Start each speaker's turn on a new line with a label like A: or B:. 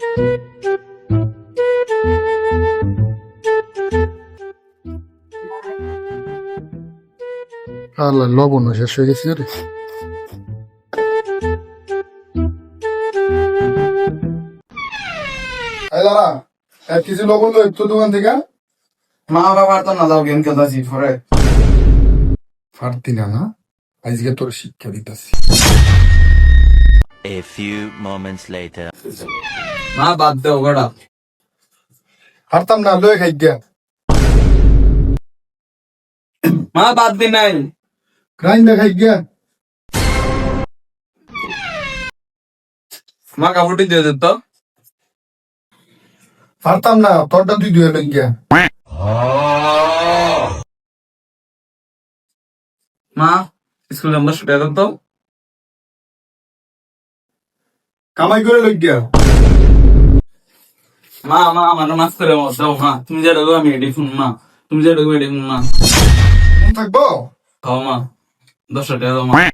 A: আল্লাহ, লবণ শেষ হয়ে গেছে রে। এই দাঁড়া, 1 কেজি লবণ লো একটু দোকান থেকে।
B: মা বাবা তো না যাও গেম খেলতেছি পরে।
A: পারতি না না, আজকে তোর শিক্ষা দিতেছি।
C: A few moments later.
B: মা বাদ দেও গড়া।
A: পারতাম না, লয়ে খাই গিয়া।
B: মা বাদ দি নাই।
A: গ্রাইন খাই গিয়া।
B: মা কাপড়টি দিয়ে দে তো।
A: পারতাম না, তোরটা তুই ধুয়ে লই গিয়া।
B: মা স্কুলে আমরা ছুটে যেত তো।
A: কামাই করে লই গিয়া।
B: মা মা আমার মাছ করে দাও মা, তুমি যে ডাকো আমি এডি ফোন মা, তুমি যে ডাকো এডি ফোন মা।
A: থাকবো।
B: খাও মা 10 টাকা দাও মা।